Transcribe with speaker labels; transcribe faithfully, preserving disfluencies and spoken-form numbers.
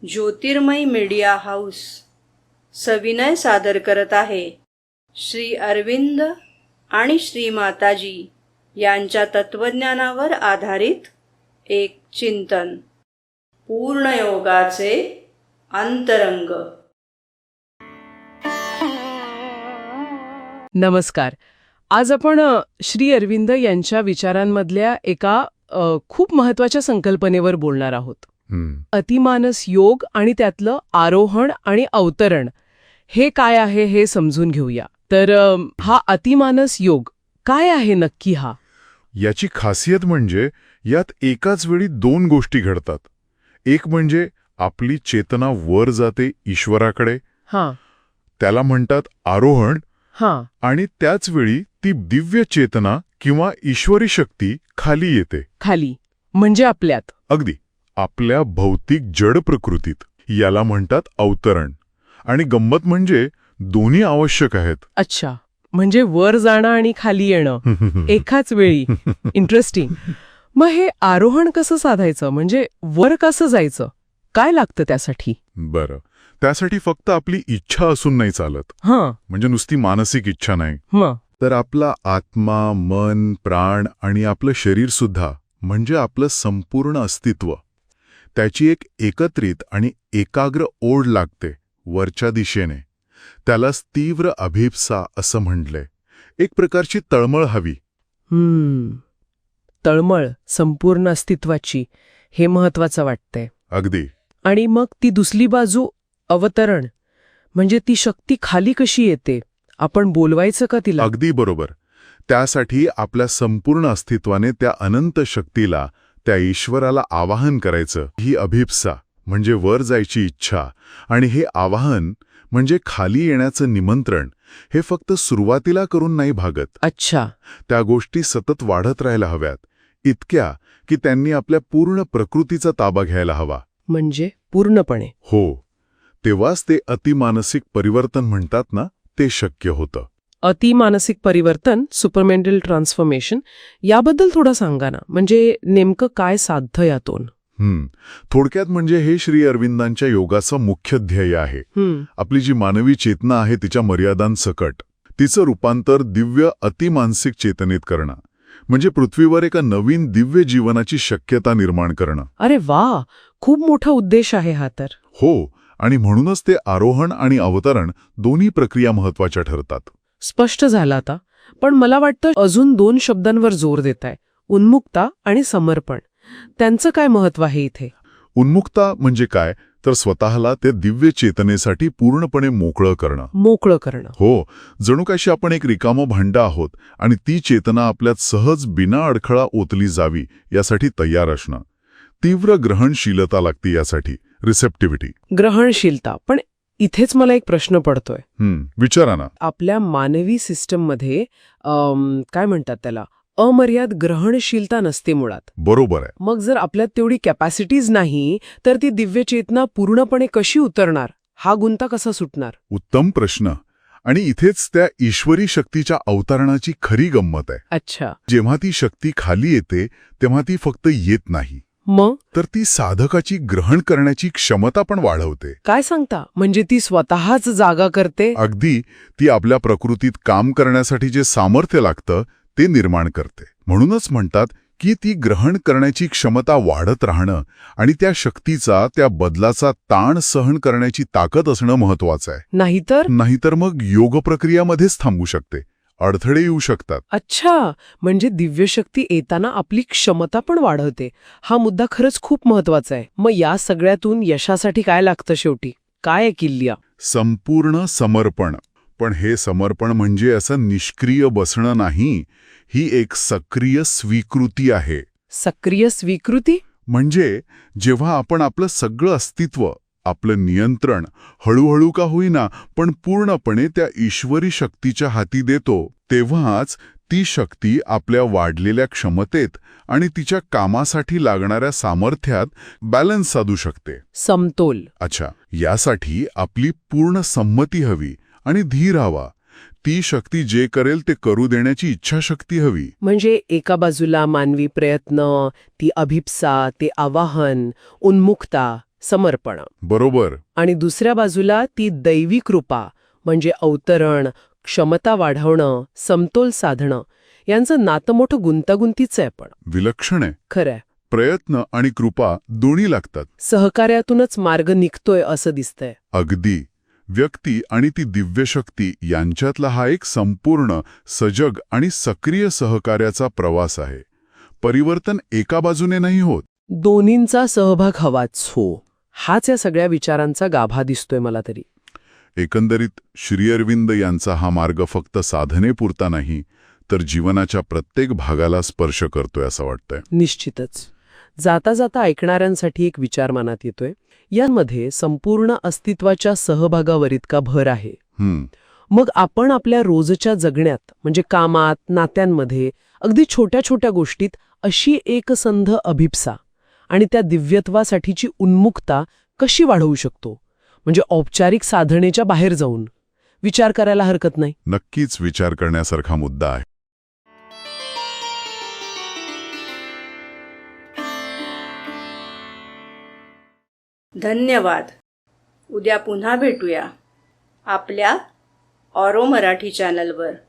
Speaker 1: ज्योतिर्मय media house सविनय सादर करत आहे श्री अरविंद आणि श्री माताजी यांच्या तत्वज्ञानावर आधारित एक चिंतन, पूर्णयोगाचे अंतरंग.
Speaker 2: नमस्कार. आज आपण अ, श्री अरविंद यांच्या विचारांमधल्या एका अ, खूप महत्वाच्या संकल्पनेवर बोलणार आहोत.
Speaker 3: हं,
Speaker 2: अतिमानस योग आणि त्यातलं आरोहण आणि अवतरण हे काय आहे हे समजून घेऊया. तर अ, हा अतिमानस योग काय आहे नक्की हा?
Speaker 3: याची खासियत म्हणजे यात एकाच वेळी दोन गोष्टी घडतात. एक म्हणजे आपली चेतना वर जाते ईश्वराकडे,
Speaker 2: हां
Speaker 3: त्याला म्हणतात आरोहण,
Speaker 2: हां
Speaker 3: आणि त्याच वेळी ती दिव्य चेतना किंवा ईश्वरी शक्ती खाली येते.
Speaker 2: खाली म्हणजे आपल्यात.
Speaker 3: अगदी आपल्या भौतिक जड प्रकृतीत. याला म्हणतात अवतरण. आणि गंमत म्हणजे दोन्ही आवश्यक आहेत.
Speaker 2: अच्छा, म्हणजे वर जाणं आणि खाली येणं एकाच वेळी. इंटरेस्टिंग. मग हे आरोहण कसं साधायचं, म्हणजे वर कसं जायचं, काय लागतं त्यासाठी?
Speaker 3: बरं, त्यासाठी फक्त आपली इच्छा असून नाही चालत.
Speaker 2: हां
Speaker 3: म्हणजे नुसती मानसिक इच्छा नाही,
Speaker 2: मग
Speaker 3: तर आपला आत्मा, मन, प्राण आणि आपलं शरीर सुद्धा, म्हणजे आपलं संपूर्ण अस्तित्व, त्याची एक एकत्रित आणि एकाग्र ओढ लागते वरच्या दिशेने. त्यालाच तीव्र अभिप्सा असं म्हटलंय. एक प्रकारची तळमळ हवी.
Speaker 2: हम्म तळमळ संपूर्ण अस्तित्वाची, हे महत्वाचं वाटतंय.
Speaker 3: अगदी.
Speaker 2: आणि मग ती दुसरी बाजू अवतरण, म्हणजे ती शक्ती खाली कशी येते, आपण बोलवायचं का तिला?
Speaker 3: अगदी बरोबर. त्यासाठी आपल्या संपूर्ण अस्तित्वाने त्या अनंत शक्तीला, त्या ईश्वराला आवाहन करायचं. ही अभिप्सा म्हणजे वर जायची इच्छा, आणि हे आवाहन म्हणजे खाली येण्याचं निमंत्रण, हे फक्त सुरुवातीला करून नाही भागत.
Speaker 2: अच्छा.
Speaker 3: त्या गोष्टी सतत वाढत राहायला हव्यात, इतक्या की त्यांनी आपल्या पूर्ण प्रकृतीचा ताबा घ्यायला हवा.
Speaker 2: म्हणजे पूर्णपणे?
Speaker 3: हो, तेव्हाच ते अतिमानसिक परिवर्तन म्हणतात ना, ते शक्य होतं.
Speaker 2: अतिमानसिक परिवर्तन, सुपरमेंटल ट्रान्सफॉर्मेशन, याबद्दल थोडं सांगा ना. म्हणजे नेमकं काय साध्य यातून?
Speaker 3: हं, थोडक्यात म्हणजे हे श्री अरविंदांच्या योगाचं मुख्य ध्येय आहे.
Speaker 2: हम्म
Speaker 3: आपली जी मानवी चेतना आहे तिच्या मर्यादांसकट तिचं रूपांतर दिव्य अतिमानसिक चेतनेत करणं, म्हणजे पृथ्वीवर एका नवीन दिव्य जीवनाची शक्यता निर्माण करणं.
Speaker 2: अरे वा, खूप मोठा उद्देश आहे हा तर.
Speaker 3: हो, आणि म्हणूनच ते आरोहण आणि अवतरण दोन्ही प्रक्रिया महत्वाच्या ठरतात.
Speaker 2: स्पष्ट झालं आता. पण मला वाटतं अजून दोन शब्दांवर जोर देताय, उन्मुक्ता आणि समर्पण. त्यांचं काय महत्व आहे इथे?
Speaker 3: उन्मुक्ता म्हणजे काय, तर स्वतःला त्या दिव्य चेतनेसाठी पूर्णपणे मोकळं करणं.
Speaker 2: मोकळं करणं.
Speaker 3: हो, जणू काशी आपण एक रिकामं भांडं आहोत आणि ती चेतना आपल्यात सहज बिना अडखळा ओतली जावी यासाठी तयार असणं. तीव्र ग्रहणशीलता लागते यासाठी, रिसेप्टिव्हिटी.
Speaker 2: ग्रहणशीलता. पण इथेच मला एक प्रश्न पडतोय.
Speaker 3: हं, विचारा ना.
Speaker 2: आपल्या मानवी सिस्टममध्ये अम, काय म्हणतात त्याला, अमर्याद ग्रहणशीलता नसते मुळात.
Speaker 3: बरोबर आहे.
Speaker 2: मग जर आपल्यात तेवढी कॅपॅसिटीज नाही, तर ती दिव्य चेतना पूर्णपणे कशी उतरणार, हा गुंता कसा सुटणार?
Speaker 3: उत्तम प्रश्न. आणि इथेच त्या ईश्वरी शक्तीच्या अवतरणाची खरी गंमत आहे.
Speaker 2: अच्छा.
Speaker 3: जेव्हा ती शक्ती खाली येते तेव्हा ती फक्त येत नाही,
Speaker 2: मग
Speaker 3: तर ती साधकाची ग्रहण करण्याची क्षमता पण वाढवते.
Speaker 2: काय सांगता? म्हणजे ती स्वतःच जागा करते?
Speaker 3: अगदी. ती आपल्या प्रकृतीत काम करण्यासाठी जे सामर्थ्य लागतं ते निर्माण करते. म्हणूनच म्हणतात की ती ग्रहण करण्याची क्षमता वाढत राहणं आणि त्या शक्तीचा, त्या बदलाचा ताण सहन करण्याची ताकद असणं महत्वाचं आहे.
Speaker 2: नाहीतर?
Speaker 3: नाहीतर मग योग प्रक्रियामध्येच थांबू शकते, अडथळे येऊ शकतात.
Speaker 2: अच्छा, म्हणजे दिव्यशक्ती येताना आपली क्षमता पण वाढवते. हा मुद्दा खरंच खूप महत्वाचा आहे. मग या सगळ्यातून यशासाठी काय लागतं शेवटी? काय आहे किल्ल्या?
Speaker 3: संपूर्ण समर्पण. पण हे समर्पण म्हणजे असं निष्क्रिय बसणं नाही, ही एक सक्रिय स्वीकृती आहे.
Speaker 2: सक्रिय स्वीकृती?
Speaker 3: म्हणजे जेव्हा आपण आपलं सगळं अस्तित्व, आपलं नियंत्रण हळूहळू का होईना पण पूर्णपणे त्या ईश्वरी शक्तीच्या हाती देतो, तेव्हाच ती शक्ती आपल्या वाढलेल्या क्षमतेत आणि तिच्या कामासाठी लागणाऱ्या सामर्थ्यात बॅलन्स साधू शकते.
Speaker 2: समतोल.
Speaker 3: अच्छा, यासाठी आपली पूर्ण संमती हवी आणि धीर हवा. ती शक्ती जे करेल ते करू देण्याची इच्छाशक्ती हवी.
Speaker 2: म्हणजे एका बाजूला मानवी प्रयत्न, ती अभिप्सा, ते आवाहन, उन्मुक्ता, समर्पण.
Speaker 3: बरोबर.
Speaker 2: आणि दुसऱ्या बाजूला ती दैवी कृपा म्हणजे अवतरण, क्षमता वाढवणं, समतोल साधणं यांचं नातं मोठं गुंतागुंतीचं आहे. पण
Speaker 3: विलक्षण आहे.
Speaker 2: खरंय,
Speaker 3: प्रयत्न आणि कृपा दोन्ही लागतात.
Speaker 2: सहकार्यातूनच मार्ग निघतोय असं दिसतंय.
Speaker 3: अगदी. व्यक्ती आणि ती दिव्यशक्ती यांच्यातला हा एक संपूर्ण, सजग आणि सक्रिय सहकार्याचा प्रवास आहे. परिवर्तन एका बाजूने नाही होत.
Speaker 2: दोन्हींचा सहभाग हवाच हो, हाच या सगळ्या विचारांचा गाभा दिसतोय मला तरी.
Speaker 3: एकंदरीत श्री अरविंद यांचा हा मार्ग फक्त साधनेपुरता नाही, तर जीवनाच्या प्रत्येक भागाला स्पर्श करतोय असं वाटतंय.
Speaker 2: निश्चितच. जाता जाता ऐकणाऱ्यांसाठी एक विचार मनात येतोय. यामध्ये संपूर्ण अस्तित्वाच्या सहभागावर इतका भर आहे.
Speaker 3: हम्म.
Speaker 2: मग आपण आपल्या रोजच्या जगण्यात म्हणजे कामात, नात्यांमध्ये, अगदी छोट्या छोट्या गोष्टीत अशी एकसंध अभिप्सा आणि त्या दिव्यत्वासाठीची उन्मुक्ता कशी वाढवू शकतो? म्हणजे औपचारिक साधनेच्या बाहेर जाऊन विचार करायला हरकत नाही.
Speaker 3: नक्कीच विचार करण्यासारखा मुद्दा आहे.
Speaker 1: धन्यवाद. उद्या पुन्हा भेटूया आपल्या ऑरो मराठी चॅनलवर.